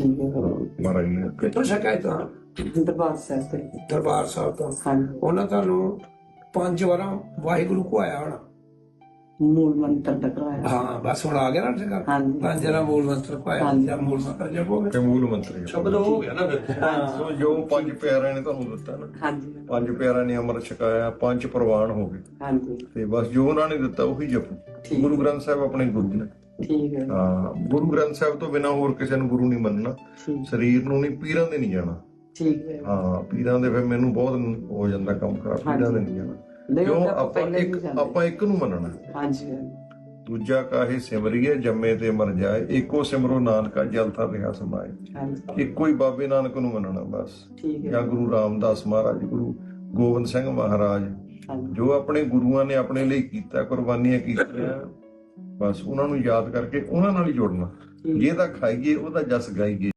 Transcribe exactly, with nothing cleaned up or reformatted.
ਠੀਕ ਹੈ। ਮਹਾਰਾਜ ਨੇ ਕਿੱਥੋਂ ਸ਼ਿਕਾਇਤ ਆ? ਦਰਬਾਰ ਸਾਹਿਬ ਤੇ। ਦਰਬਾਰ ਸਾਹਿਬ ਤੋਂ। ਹਾਂਜੀ, ਉਹਨਾਂ ਤੁਹਾਨੂੰ ਪੰਜ ਵਾਰਾਂ ਵਾਹਿਗੁਰੂ ਕੋ ਆਇਆ ਹੋਣਾ। ਮੂਲ ਮੰਤਰ ਦਾ ਕਰਾਇਆ। ਹਾਂ ਬਸ ਹੁਣ ਆ ਗਿਆ ਨਾ ਟਿਕਾ। ਹਾਂਜੀ। ਪੰਜ ਵਾਰਾਂ ਮੂਲ ਮੰਤਰ ਪਾਇਆ ਹਾਂਜੀ। ਜਾਂ ਮੂਲ ਮੰਤਰ ਜਪੋਗੇ ਤੇ ਮੂਲ ਮੰਤਰ ਸ਼ਬਦ ਹੋ ਗਿਆ ਨਾ ਫਿਰ। ਸੋ ਜੋ ਪੰਜ ਪਿਆਰਿਆਂ ਨੇ ਤੁਹਾਨੂੰ ਦਿੱਤਾ ਨਾ, ਹਾਂਜੀ ਪੰਜ ਪਿਆਰਿਆਂ ਨੇ ਅੰਮ੍ਰਿਤ ਛਕਾਇਆ, ਪੰਜ ਪ੍ਰਵਾਨ ਹੋ ਗਏ, ਹਾਂਜੀ, ਤੇ ਬਸ ਜੋ ਉਹਨਾਂ ਨੇ ਦਿੱਤਾ ਉਹੀ ਜਪੋ। ਠੀਕ। ਗੁਰੂ ਗ੍ਰੰਥ ਸਾਹਿਬ ਆਪਣੇ ਗੁਰੂ ਨੇ। ਠੀਕ ਹੈ। ਹਾਂ, ਗੁਰੂ ਗ੍ਰੰਥ ਸਾਹਿਬ ਤੋਂ ਬਿਨਾਂ ਹੋਰ ਕਿਸੇ ਨੂੰ ਗੁਰੂ ਨਹੀਂ ਮੰਨਣਾ। ਠੀਕ ਸਰੀਰ ਨੂੰ ਨਹੀਂ, ਪੀਰਾਂ ਦੇ ਨਹੀਂ ਜਾਣਾ। ਠੀਕ ਹੈ। ਹਾਂ, ਪੀਰਾਂ ਦੇ ਫਿਰ ਮੈਨੂੰ ਬਹੁਤ ਹੋ ਜਾਂਦਾ ਕੰਮ ਖਰਾਬ, ਪੀਰਾਂ ਦੇ ਨਹੀਂ ਜਾਣਾ। ਨਹੀਂ, ਕਿਉਂ? ਉਹ ਤਾਂ ਆਪਾਂ ਪਹਿਲਾਂ ਹੀ ਇੱਕ ਜਾਂਦੇ। ਆਪਾਂ ਇੱਕ ਨੂੰ ਮੰਨਣਾ। ਹਾਂਜੀ ਦੂਜਾ ਕਾਹੇ ਸਿਮਰੀਏ ਜੰਮੇ ਤੇ ਮਰ ਜਾਏ, ਇੱਕੋ ਸਿਮਰੋ ਨਾਨਕਾ ਜਲ ਥਰ ਰਿਹਾ ਸਮਾਏ। ਹਾਂਜੀ, ਇੱਕੋ ਹੀ ਬਾਬੇ ਨਾਨਕ ਨੂੰ ਮੰਨਣਾ ਬਸ। ਠੀਕ ਹੈ। ਜਾਂ ਗੁਰੂ ਰਾਮਦਾਸ ਮਹਾਰਾਜ, ਗੁਰੂ ਗੋਬਿੰਦ ਸਿੰਘ ਮਹਾਰਾਜ, ਹਾਂਜੀ, ਜੋ ਆਪਣੇ ਗੁਰੂਆਂ ਨੇ ਆਪਣੇ ਲਈ ਕੀਤਾ, ਕੁਰਬਾਨੀਆਂ ਕੀਤੀਆਂ, ਬਸ ਉਹਨਾਂ ਨੂੰ ਯਾਦ ਕਰਕੇ ਉਹਨਾਂ ਨਾਲ ਹੀ ਜੁੜਨਾ। ਠੀਕ। ਜਿਹਦਾ ਖਾਈਏ ਉਹਦਾ ਜਸ ਗਾਈਏ।